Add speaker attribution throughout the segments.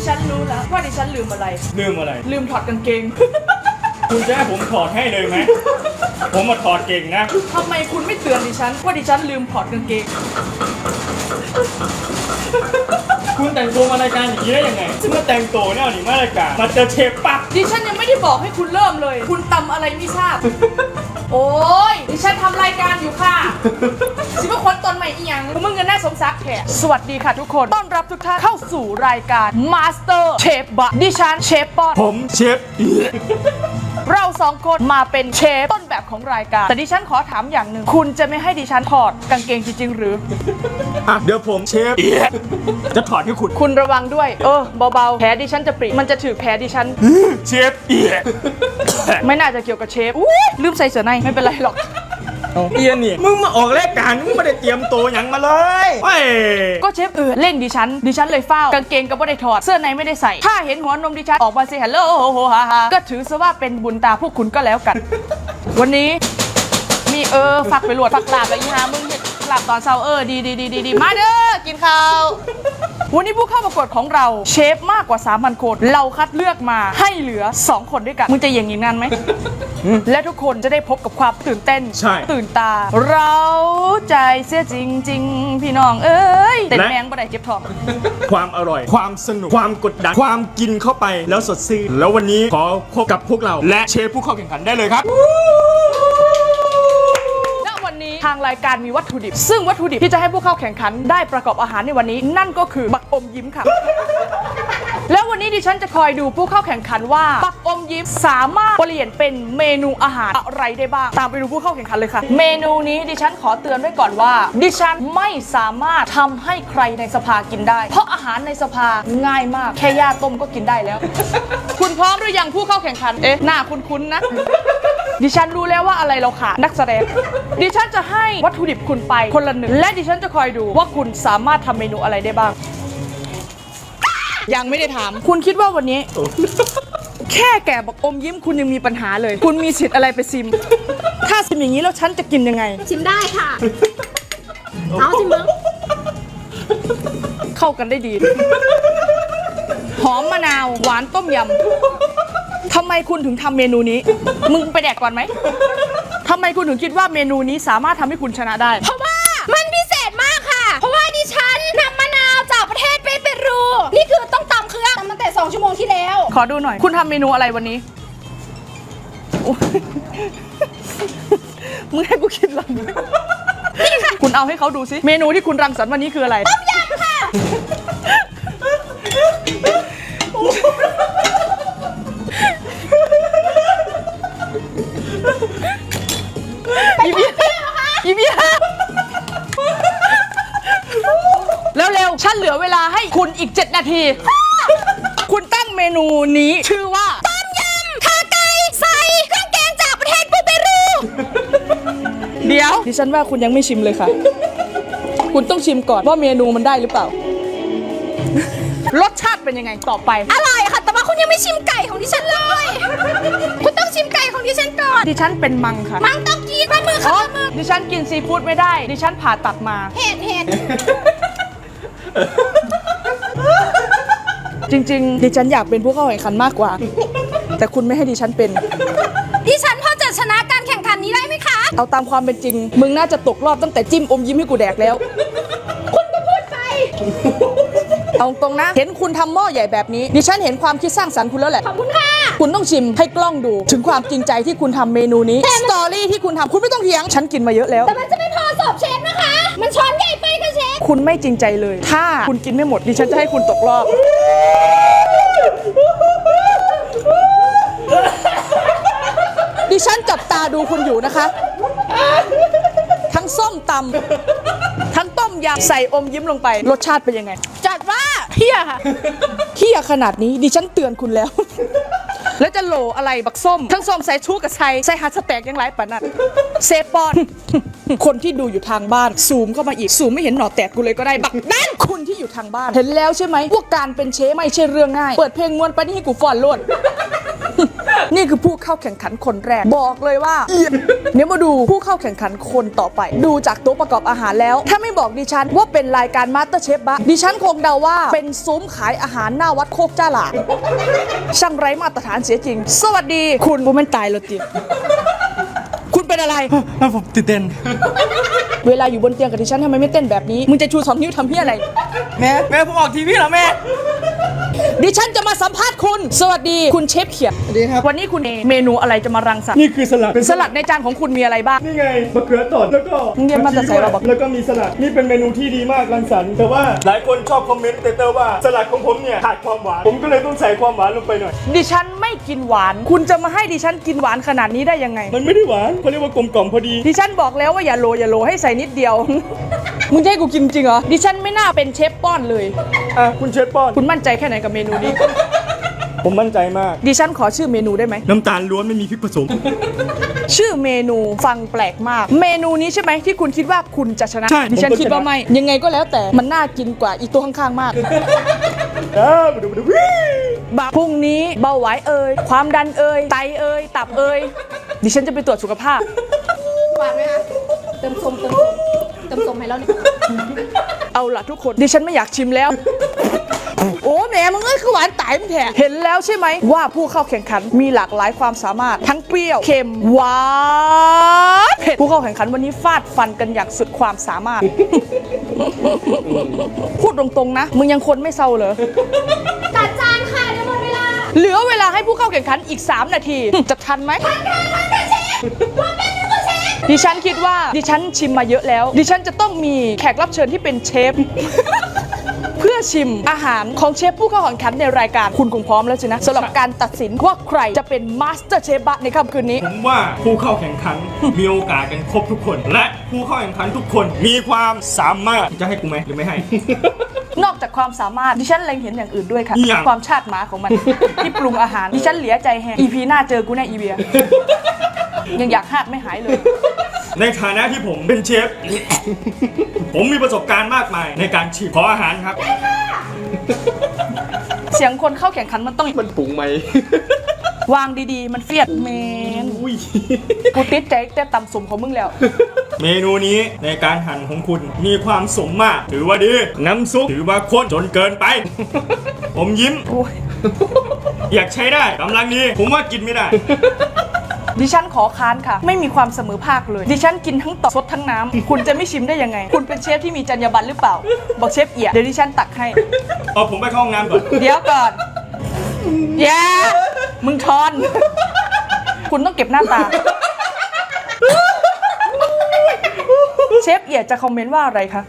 Speaker 1: ฉันรู้แล้วว่าดิฉันลืมอะไร
Speaker 2: ลืมอะไร
Speaker 1: ลืมถอดกางเกง
Speaker 2: คุณจะให้ผมถอดให้เลยไหม ผมมาถอดเก่งนะ
Speaker 1: ทำไมคุณไม่เตือนดิฉันว่าดิฉันลืมถอดกางเกง
Speaker 2: คุณแต่งตัวมารายการอย่างนี้ได้ยังไงเมื่อแต่งตัวเนี่ยหนีมารายการมาเจอเชฟปั๊บ
Speaker 1: ดิฉันยังไม่ได้บอกให้คุณเริ่มเลย คุณตำอะไรไม่ทราบ โอ้ยดิฉันทำรายการอยู่ค่ะสิว่าคนตนใหม่อีหยังมึงเงินแน่สมศักดิ์แขกสวัสดีค่ะทุกคนต้อนรับทุกท่านเข้าสู่รายการ Master Chef บะดิฉันเชฟปอน
Speaker 2: ผมเชฟ
Speaker 1: เราสองคนมาเป็นเชฟต้นแบบของรายการแต่ดิฉันขอถามอย่างหนึ่งคุณจะไม่ให้ดิฉันถอดกางเกงจริงๆหรือ
Speaker 2: อ่ะเดี๋ยวผมเชฟจะถอดให้คุณ
Speaker 1: คุณระวังด้วยเบาๆแผลดิฉันจะปริมันจะถือแผลดิฉัน
Speaker 2: เชฟ
Speaker 1: ไม่น่าจะเกี่ยวกับเชฟลืมใส่เสื้อในไม่เป็นไรหรอก
Speaker 2: เอียนี่มึงมาออกรายการมึงไม่ได้เตรียมตัวอย่างมาเลยเฮ้ย
Speaker 1: ก็เชฟเล่งดิฉันเลยเฝ้ากางเกงก็ไม่ได้ถอดเสื้อในไม่ได้ใส่ถ้าเห็นหัวนมดิฉันออกมาเซฮัลโหลโฮฮาฮาก็ถือซะว่าเป็นบุญตาพวกคุณก็แล้วกัน วันนี้มีฝักไปหลวดฝักลาบแล้วอีหามึงเห็ดลาบตอนเช้าดีมาเด้อกินข้าววันนี้ผู้เข้าประกวดของเราเชฟมากกว่า 3,000 คนเราคัดเลือกมาให้เหลือ2คนด้วยกันมึงจะอย่างงี้งานไหม และทุกคนจะได้พบกับความตื่นเต้น
Speaker 2: ใช่
Speaker 1: ตื่นตาเราใจเสียจริงๆพี่น้องเอ้ยเต้นแมงบ่ได้เจ็บท้อง
Speaker 2: ความอร่อย ความสนุก ความกดดัน ความกินเข้าไปแล้วสดชื่นแล้ววันนี้ขอพบกับพวกเราและเชฟผู้เข้าแข่งขันได้เลยครับ
Speaker 1: วันนี้ทางรายการมีวัตถุดิบซึ่งวัตถุดิบที่จะให้ผู้เข้าแข่งขันได้ประกอบอาหารในวันนี้นั่นก็คือบักอมยิ้มค่ะ แล้ววันนี้ดิฉันจะคอยดูผู้เข้าแข่งขันว่าบักอมยิ้มสามารถเปลี่ยนเป็นเมนูอาหารอะไรได้บ้างตามไปดูผู้เข้าแข่งขันเลยค่ะเมนูนี้ดิฉันขอเตือนไว้ก่อนว่าดิฉันไม่สามารถทำให้ใครในสภากินได้เพราะอาหารในสภาง่ายมากแค่ย่าต้มก็กินได้แล้ว คุณพร้อมหรือยังผู้เข้าแข่งขันหน้าคุ้นๆนะดิฉันรู้แล้วว่าอะไรเราขาดนักแสดงดิฉันจะให้วัตถุดิบคุณไปคนละหนึ่งและดิฉันจะคอยดูว่าคุณสามารถทำเมนูอะไรได้บ้างยังไม่ได้ถามคุณคิดว่าวันนี้ แค่แกะบักอมยิ้มคุณยังมีปัญหาเลยคุณมีสิทธิ์อะไรไปซิมถ้าซิมอย่างนี้แล้วฉันจะกินยังไง
Speaker 3: ชิมได้ค่ะ เอาชิมมึง
Speaker 1: เข้ากันได้ดี หอมมะนาวหวานต้มยำทำไมคุณถึงทำเมนูนี้มึงไปแดกก่อนไหมทำไมคุณถึงคิดว่าเมนูนี้สามารถทำให้คุณชนะได้
Speaker 3: เพราะว่ามันพิเศษมากค่ะ เพราะว่าดิฉันนำมะนาวจากประเทศเปรู นี่คือต้องตำเครื่องตั้งแต่2 ชั่วโมงที่แล้ว
Speaker 1: ขอดูหน่อยคุณทำเมนูอะไรวันนี้โอ้ยมึงให้กูคิดหรอคุณเอาให้เขาดูสิเมนูที่คุณรังสรรค์วันนี้คืออะไรต้มยำค่ะอีเบียแล้วเร็วฉันเหลือเวลาให้คุณอีก7 นาที คุณตั้งเมนูนี้ชื่อว่า
Speaker 3: ต้มยำขาไก่ใส่เครื่องแกงจากประเทศเปรู
Speaker 1: เดี๋ยวดิฉันว่าคุณยังไม่ชิมเลยค่ะ คุณต้องชิมก่อนว่าเมนูมันได้หรือเปล่า รสชาติเป็นยังไงต่อไป
Speaker 3: อร่อยค่ะ แต่ว่าคุณยังไม่ชิมไก่ของดิฉันเลย คุณต้องชิมไก่ของดิฉันก่อน
Speaker 1: ดิฉันเป็นมังค่ะ
Speaker 3: มังต้องกินปลาหมึกค่ะปลาหมึก
Speaker 1: ดิฉันกินซีฟู้ดไม่ได้ ดิฉันผ่าตัดมา
Speaker 3: เห็ด
Speaker 1: จริงๆ ดิฉันอยากเป็นผู้เข้าแข่งขันมากกว่า แต่คุณไม่ให้ดิฉันเป็น
Speaker 3: ดิฉันพอจะชนะการแข่งขันนี้ได้ไหมคะ
Speaker 1: เอาตามความเป็นจริง มึงน่าจะตกรอบตั้งแต่จิ้มอมยิ้มให้กูแดกแล้ว
Speaker 3: คุณก็พูดไป
Speaker 1: เอาตรงนะ เห็นคุณทำหม้อใหญ่แบบนี้ ดิฉันเห็นความคิดสร้างสรรค์คุณแล้วแหละ
Speaker 3: ขอบคุณค่ะ
Speaker 1: คุณต้องชิมให้กล้องดูถึงความจริงใจที่คุณทำเมนูนี้ สตอรี่ที่คุณทำคุณไม่ต้องเถียง ฉันกินมาเยอะแล้ว
Speaker 3: แต่มันจะไม่พอสอบเชฟนะคะ มันช้อนใหญ่ไปค่ะเชฟ
Speaker 1: คุณไม่จริงใจเลย ถ้าคุณกินไม่หมด ดิฉันจะให้คุณตกรอบ ดิฉันจับตาดูคุณอยู่นะคะ ทั้งส้มตำทั้งต้มยำใส่อมยิ้มลงไป รสชาติเป็นยังไง จัดว่าเฮี้ยค่ะเฮี้ยขนาดนี้ดิฉันเตือนคุณแล้ว แล้วจะโหลอะไรบักส้ม ทั้งส้มใส่ชูกับใส่ฮัทสแต็กยังไรปะนัดเซฟปอน คนที่ดูอยู่ทางบ้านซูมเข้ามาอีกซูมไม่เห็นหนอแตกกูเลยก็ได้บักนั่นคุณที่อยู่ทางบ้านเห็นแล้วใช่ไหมว่าการเป็นเชฟไม่ใช่เรื่องง่ายเปิดเพลงมวนไปนี่ให้กูฟอนโลดนี่คือผู้เข้าแข่งขันคนแรกบอกเลยว่าเดี๋ยวมาดูผู้เข้าแข่งขันคนต่อไป ดูจากตัวประกอบอาหารแล้วถ้าไม่บอกดิฉันว่าเป็นรายการมาสเตอร์เชฟบะดิฉันคงเดาว่าเป็นซุ้มขายอาหารหน้าวัดโคกจ้าหลาช่างไร้มาตรฐานเสียจริงสวัสดีคุณโมเมนตายเลยจิคุณเป็นอะไร
Speaker 2: ผมตื่นเต้น
Speaker 1: เวลาอยู่บนเตียงกับดิฉันทำไมไม่เต้นแบบนี้มึงจะชู2 นิ้วทำเพี้ยอะไร
Speaker 2: แม่ผมออกทีวีเหรอแม่
Speaker 1: ดิฉันจะมาสัมภาษณ์คุณ สวัสดีคุณเชฟเขียด
Speaker 2: สวัสดีครับ
Speaker 1: วันนี้คุณเมนูอะไรจะมารังสรรค์
Speaker 2: นี่คือสลัดเป็น
Speaker 1: สลัดในจานของคุณมีอะไรบ้าง
Speaker 2: นี่ไงมะเขือตดแล้วก็
Speaker 1: มึงเรียนมาแต่ไสเราบอก
Speaker 2: แล้วก็มีสลัดนี่เป็นเมนูที่ดีมากรังสรรค์แต่ว่าหลายคนชอบคอมเมนต์เตอร์ว่าสลัดของผมเนี่ยขาดความหวานผมก็เลยต้องใส่ความหวานลงไปหน่อย
Speaker 1: ดิฉันไม่กินหวาน คุณจะมาให้ดิฉันกินหวานขนาดนี้ได้ยังไง
Speaker 2: มันไม่ได้หวานเขาเรียกว่ากลมกล่อมพอดี
Speaker 1: ดิฉันบอกแล้วว่าอย่าโลให้ใส่นิดเดียว มึงจะให้กูกินจริงเหรอ ดิฉันไม่น่าเป็นเชฟป้อนเลย
Speaker 2: อ่ะคุณเชฟป้อน
Speaker 1: คุณมั่นใจแค่ไหนกับเมนูนี้
Speaker 2: ผมมั่นใจมาก
Speaker 1: ดิฉันขอชื่อเมนูได้ไหม
Speaker 2: น้ำตาลล้วนไม่มีพริกผสม
Speaker 1: ชื่อเมนูฟังแปลกมาก เมนูนี้ใช่ไหมที่คุณคิดว่าคุณจะชนะ
Speaker 2: ใช่
Speaker 1: ดิฉัน
Speaker 2: ผมก็
Speaker 1: คิดว่า
Speaker 2: ชนะ
Speaker 1: ไม่ ยังไงก็แล้วแต่มันน่ากินกว่าอีตัวข้างๆมาก
Speaker 2: มาดูวิ
Speaker 1: บะพรุ่งนี้เบาหวานเอ่ยความดันเอ่ยไตเอ่ยตับเอ่ยดิฉันจะไปตรวจสุขภาพ
Speaker 3: หวานไหมคะ เติมส้มให้แล้วนี่
Speaker 1: เอาล่ะทุกคนดิฉันไม่อยากชิมแล้ว โอ้แหมมึงเอ้ยคือหวานตายมึงแท้เห็นแล้วใช่ไหมว่าผู้เข้าแข่งขันมีหลากหลายความสามารถทั้งเปรี้ยวเค็มหวานเผ็ดผู้เข้าแข่งขันวันนี้ฟาดฟันกันอย่างสุดความสามารถ พูดตรงๆนะมึงยังคนไม่เศร้าเหรอ
Speaker 3: จัดจานค่ะเดี๋ยวหมดเวลา
Speaker 1: เหลือเวลาให้ผู้เข้าแข่งขันอีก 3 นาที จะทันไหมดิฉันคิดว่าดิฉันชิมมาเยอะแล้ว ดิฉันจะต้องมีแขกรับเชิญที่เป็นเชฟ เพื่อชิมอาหารของเชฟผู้เข้าแข่งขันในรายการคุณคงพร้อมแล้วสินะสำหรับการตัดสินว่าใครจะเป็นมาสเตอร์เชฟบะในค่ำคืนนี้
Speaker 2: ผมว่าผู้เข้าแข่งขัน มีโอกาสกันครบทุกคน และผู้เข้าแข่งขันทุกคนมีความสามารถจะให้กูไหมหรือไม่ให้
Speaker 1: นอกจากความสามารถดิฉันเล็งเห็นอย่างอื่นด้วยค่ะ
Speaker 2: อีหยัง
Speaker 1: ความชาติหมาของมัน ที่ปรุงอาหารดิฉันเหลียใจแฮง EP หน้าเจอกูแน่อีเบีย ยังอยากหาดไม่หายเลย
Speaker 2: ในฐานะที่ผมเป็นเชฟ ผมมีประสบการณ์มากมายในการชิมขออาหารครับ
Speaker 1: เสียงคนเข้าแข่งขันมันต้อง
Speaker 2: มันปรุงไหม
Speaker 1: วางดีๆ มันเฟียดเมน
Speaker 2: อุ้ย
Speaker 1: กูติดใจแต่ตำสมของมึงแล้ว
Speaker 2: เมนูนี้ในการหั่นของคุณมีความสมมาก ถือว่าดี น้ำซุปถือว่าข้นจนเกินไป ผมยิ้ม
Speaker 1: โอ้ย
Speaker 2: อยากใช้ได้กำลังดี ผมว่ากินไม่ได้
Speaker 1: ดิฉันขอค้านค่ะ ไม่มีความเสมอภาคเลย ดิฉันกินทั้งต่อสดทั้งน้ำ คุณจะไม่ชิมได้ยังไง คุณเป็นเชฟที่มีจรรยาบรรณหรือเปล่า บอกเชฟเอียดเดี๋ยวดิฉันตักให้
Speaker 2: เอาผมไปเข้าห้องน้ำก่อน
Speaker 1: เดี๋ยวก่อนอย่ามึงทอน คุณต้องเก็บหน้าตา เชฟเอียดจะคอมเมนต์ว่าอะไรคะ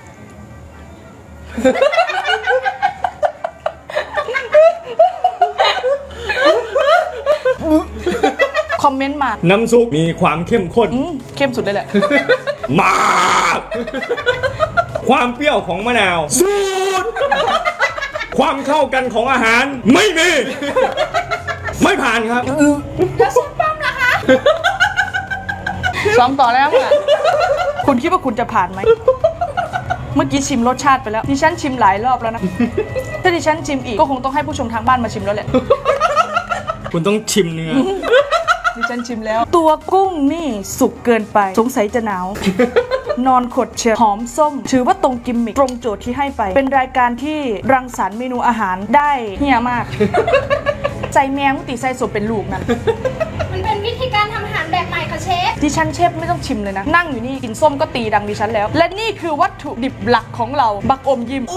Speaker 1: คอมเมนต์มา
Speaker 2: น้ำซุปมีความเข้มข้น
Speaker 1: เข้มสุดเลยแหละ
Speaker 2: มาก ความเปรี้ยวของมะนาวสูดความเข้ากันของอาหารไม่มี ไม่ผ่านครับ
Speaker 3: แล้วซุปป้อมล่ะคะ
Speaker 1: ซ้อมต่อแล้วค่ะ คุณคิดว่าคุณจะผ่านไหม เมื่อกี้ชิมรสชาติไปแล้ว ดิฉันชิมหลายรอบแล้วนะ ถ้าดิฉันชิมอีกก็คงต้องให้ผู้ชมทางบ้านมาชิมแล้วแหละ
Speaker 2: คุณต้องชิมเนื้อ
Speaker 1: ดิฉันชิมแล้ว ตัวกุ้งนี่สุกเกินไป สงสัยจะหนาว นอนขดเชียวหอมส้ม ถือว่าตรงกิมมิคตรงโจทย์ที่ให้ไป เป็นรายการที่รังสรรค์เมนูอาหารได้เฮียมาก ใจแมงมุติใส่สมเป็นลูกนั่น
Speaker 3: มันเป็นวิธีการทำอาหารแบบใหม่ค่ะเชฟ
Speaker 1: ดิฉันเชฟไม่ต้องชิมเลยนะ นั่งอยู่นี่กินส้มก็ตีดังดิฉันแล้ว และนี่คือวัตถุดิบหลักของเรา บักอมยิ้ม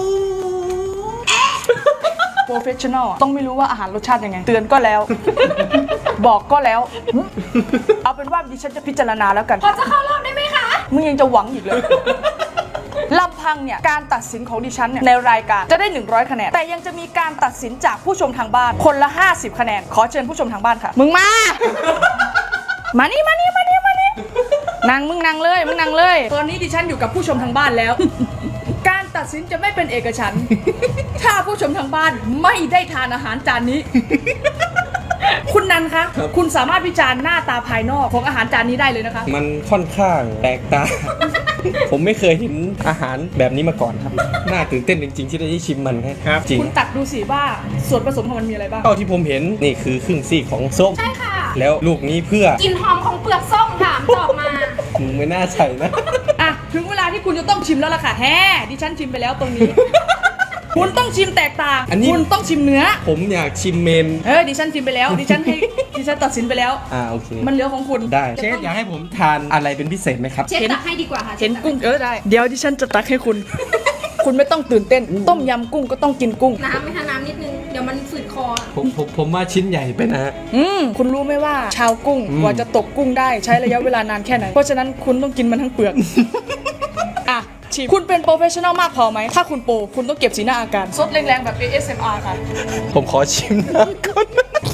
Speaker 1: โปรเฟชชั่นอลต้องไม่รู้ว่าอาหารรสชาติยังไง เตือนก็แล้ว บอกก็แล้ว เอาเป็นว่าดิฉันจะพิจารณาแล้วกัน
Speaker 3: พอจะเข้ารอบได้ไหมคะ
Speaker 1: มึงยังจะหวังอีกเลย ลำพังเนี่ยการตัดสินของดิฉันเนี่ยในรายการจะได้100คะแนนแต่ยังจะมีการตัดสินจากผู้ชมทางบ้านคนละ50คะแนนขอเชิญผู้ชมทางบ้านค่ะ มึงมา มานี่นั่งมึงนั่งเลยตอนนี้ดิฉันอยู่กับผู้ชมทางบ้านแล้ว การตัดสินจะไม่เป็นเอกฉันท์ ถ้าผู้ชมทางบ้านไม่ได้ทานอาหารจานนี้คุณนันคะ คุณสามารถวิจารณ์หน้าตาภายนอกของอาหารจานนี้ได้เลยนะคะ
Speaker 2: มันค่อนข้างแปลกตา ผมไม่เคยเห็นอาหารแบบนี้มาก่อนครับ น่าตื่นเต้นจริงๆที่ได้ชิมมันครับจริง
Speaker 1: คุณตักดูสิว่าส่วนผสมของมันมีอะไรบ้าง
Speaker 2: เท่าที่ผมเห็นนี่คือครึ่งซีกของส้ม
Speaker 3: ใช่ค่ะ
Speaker 2: แล้วลูกนี้เพื่อก
Speaker 3: ลิ่นหอมของเปลือกส้มค่ะมันจะออกมา
Speaker 2: มึงไม่น่าใส่นะ
Speaker 1: อ่ะถึงเวลาที่คุณจะต้องชิมแล้วล่ะค่ะแฮ่ดิฉันชิมไปแล้วตรงนี้ คุณต้องชิมแตกต่าง
Speaker 2: อันนี้
Speaker 1: คุณต้องชิมเนื้อ
Speaker 2: ผมอยากชิมเมน
Speaker 1: ดิฉันชิมไปแล้ว ดิฉันตัดสินไปแล้ว
Speaker 2: โอเค
Speaker 1: มันเหลือของคุณ
Speaker 2: ได้เชฟอยากให้ผมทานอะไรเป็นพิเศษไหมครับ
Speaker 3: เชฟตักให้ดีกว่าค่ะ
Speaker 1: เห็นกุ้งได้ เดี๋ยวดิฉันจะตักให้คุณ คุณไม่ต้องตื่นเต้น ต้มยำกุ้งก็ต้องกินกุ้ง
Speaker 3: น้ำไหมคะน้ำนิดนึง เดี๋ยวมันฝืดคอ
Speaker 2: ผมว่าชิ้นใหญ่ไปนะ
Speaker 1: คุณรู้ไหมว่าชาวกุ้งกว่าจะตกกุ้งได้ใช้ระยะเวลานานแค่ไหน เพราะฉะนั้นคุณต้องกินมันทั้งเปลือก อ่ะชิมคุณเป็นโปรเฟชชั่นอลมากพอไหม ถ้าคุณโปรคุณต้องเก็บสีหน้าอาการซดแรงๆแบบ ASMR ค่ะ
Speaker 2: ผมขอชิมน้ำก่อน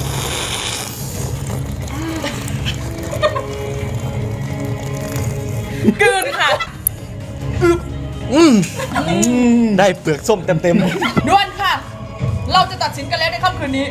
Speaker 1: กลืนค่ะ
Speaker 2: ได้เปลือกส้มเต็ม
Speaker 1: ด่วนค่ะ เราจะตัดสินกันแล้วในค่ำคืนนี้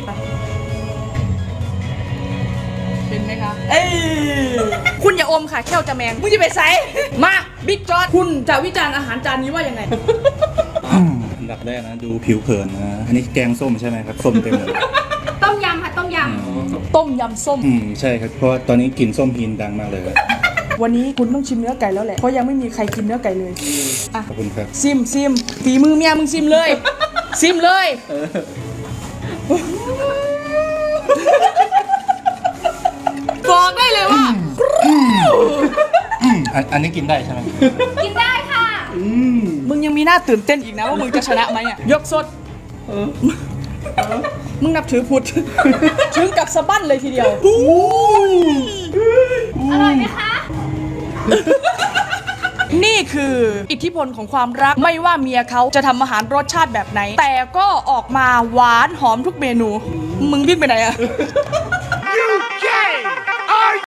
Speaker 1: เป็นไหมคะ เอ้ยคุณอย่าอมค่ะแค่วจะแมงมึงจะไปใส่มาบิ๊กจอร์ดคุณจะวิจารณ์อาหารจานนี้ว่ายังไง
Speaker 4: อันดับแรกนะดูผิวเผินนะ อันนี้แกงส้มใช่ไหมครับ ส้มเต็มเลย
Speaker 3: ต้มยำค่ะต้มย
Speaker 1: ต้มยำส้ม
Speaker 4: ใช่ครับ เพราะว่าตอนนี้กลิ่นส้มพีนดังมากเลย
Speaker 1: วันนี้คุณต้องชิมเนื้อไก่แล้วแหละ เพราะยังไม่มีใครกินเนื้อไก่เลย อ่ะ
Speaker 4: ขอบคุณครับ
Speaker 1: ซิมฝีมือเมียมึงซิมเลย ซิมเลยบอกได้เลยว่า
Speaker 4: อันนี้กินได้ใช่ไหม
Speaker 3: ำกินได้ค่ะ
Speaker 1: มึงยังมีหน้าตื่นเต้นอีกนะว่ามึงจะชนะไหมอ่ะ ยกสดมึงนับถือพุทธ ถึงกับสะบั้นเลยทีเดียว
Speaker 3: อร่อยไหมคะ
Speaker 1: นี่คืออิทธิพลของความรักไม่ว่าเมียเขาจะทำอาหารรสชาติแบบไหน แต่ก็ออกมาหวานหอมทุกเมนู มึงวิ่งไปไหนอะ